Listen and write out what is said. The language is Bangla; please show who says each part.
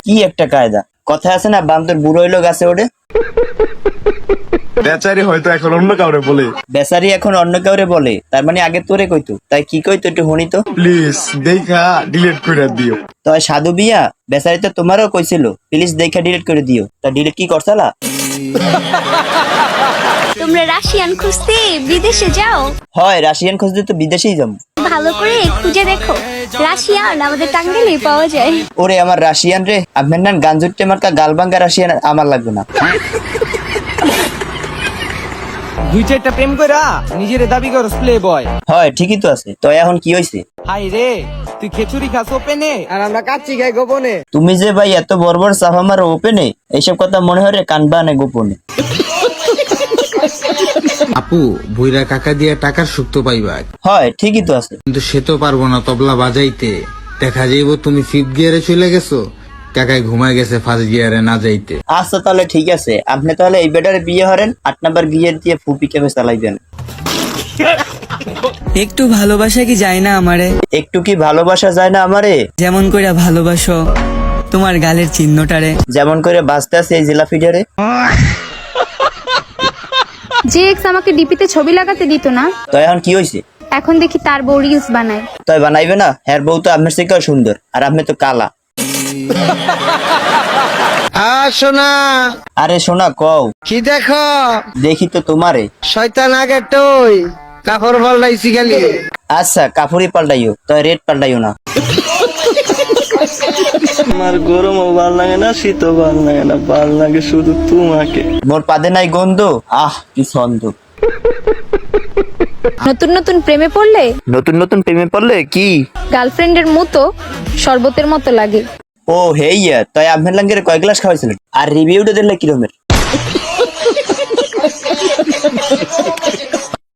Speaker 1: কি একটা কায়দা, কথা আছে না বান্দর বুড়ো হইলো গাছে ওঠে।
Speaker 2: বেচারি হয়তো এখন অন্য কাউরে বলে।
Speaker 1: বেচারি এখন অন্য কাউরে বলে, তার মানে আগে তোরে কইতো, তাই কি কইতো একটু শুনি তো।
Speaker 2: প্লিজ দেখা ডিলিট করে দিও।
Speaker 1: তাই সাধু বিয়া বেচারি তো তোমারও কইছিল প্লিজ দেখা ডিলিট করে দিও, তা ডিলিট কি করছালা?
Speaker 3: তোমরা রাশিয়ান খুঁজতে বিদেশে যাও?
Speaker 1: হয় রাশিয়ান খুঁজতে তো বিদেশেই যাবো।
Speaker 3: ভালো করে খুঁজে দেখো, রাশিয়ান আমাদের টাঙ্গাইলে পাওয়া যায়।
Speaker 1: ওরে আমার রাশিয়ান রে, আপনার নাম গাঞ্জুট্টে মার্কা গালবাঙ্গা রাশিয়ান আমার লাগবে না।
Speaker 4: দুই চারটা প্রেম কইরা নিজের দাবি করস প্লে বয়।
Speaker 1: হয় ঠিকই তো আছে, তো এখন কি হইছে?
Speaker 4: হাই রে, তুই খেচুরি খাস ওপেনে আর আমরা কাচ্চি খাই গোপনে।
Speaker 1: তুমি যে ভাই এত বড় বড় চাপা মারো ওপেনে, এইসব কথা মনে হয় রে কানবানে গোপনে।
Speaker 5: আপু ভুইরা কাকা দিয়া টাকার সুখ তো পাইবা,
Speaker 1: হয় ঠিকই তো আছে,
Speaker 5: কিন্তু সে তো পারবো না তবলা বাজাইতে। দেখা যাইব তুমি ফিফথ গিয়ারে চলে গেছো, কাকায় ঘুমায় গেছে ফার্স্ট গিয়ারে না যাইতে।
Speaker 1: আচ্ছা তাহলে ঠিক আছে, আপনি তাহলে এই বেটারে বিয়ে হরেন, 8 নাম্বার গিয়ার দিয়ে ফুপি কেমে চালাইবেন।
Speaker 6: একটু ভালোবাসা কি যায় না আমারে?
Speaker 1: একটু কি ভালোবাসা যায় না আমারে?
Speaker 6: যেমন কইরা ভালোবাসো তোমার গালের চিহ্নটারে।
Speaker 1: যেমন করে বাঁচতে আছে এই জেলা ফিডারে।
Speaker 7: যে এক্স আমাকে ডিপিতে ছবি লাগাতে দিত না,
Speaker 1: তো এখন কি হইছে?
Speaker 7: এখন দেখি তার বউ রিলস বানায়।
Speaker 1: তাই বানাইবে না, হ্যার বউ তো আপনার থেকেও সুন্দর, আর আপনি তো কালা।
Speaker 4: শোনা
Speaker 1: আরে শোনা কও।
Speaker 4: কি দেখো?
Speaker 1: দেখি তো তোমারে।
Speaker 4: শয়তান আগে টই কাপড় পাল্টাইছি খালি।
Speaker 1: আচ্ছা কাপড়ই পাল্টাইও, তো রেড পাল্টাইও না।
Speaker 8: আমার গরমও ভাল লাগে না, শীতও ভাল লাগে না, ভাল লাগে শুধু তোমাকে।
Speaker 1: মোর পাদে নাই গন্ধ, আহ কি ছন্দ।
Speaker 7: নতুন নতুন প্রেমে পড়লে
Speaker 1: নতুন নতুন প্রেমে পড়লে কি
Speaker 7: গার্লফ্রেন্ডের মতো শরবতের মতো লাগে।
Speaker 1: ও হেইয়া, তাই আপনার লাঙ্গের কয় গ্লাস খাওয়াইছিলেন? আর রিভিউটা দিলে কিরমের?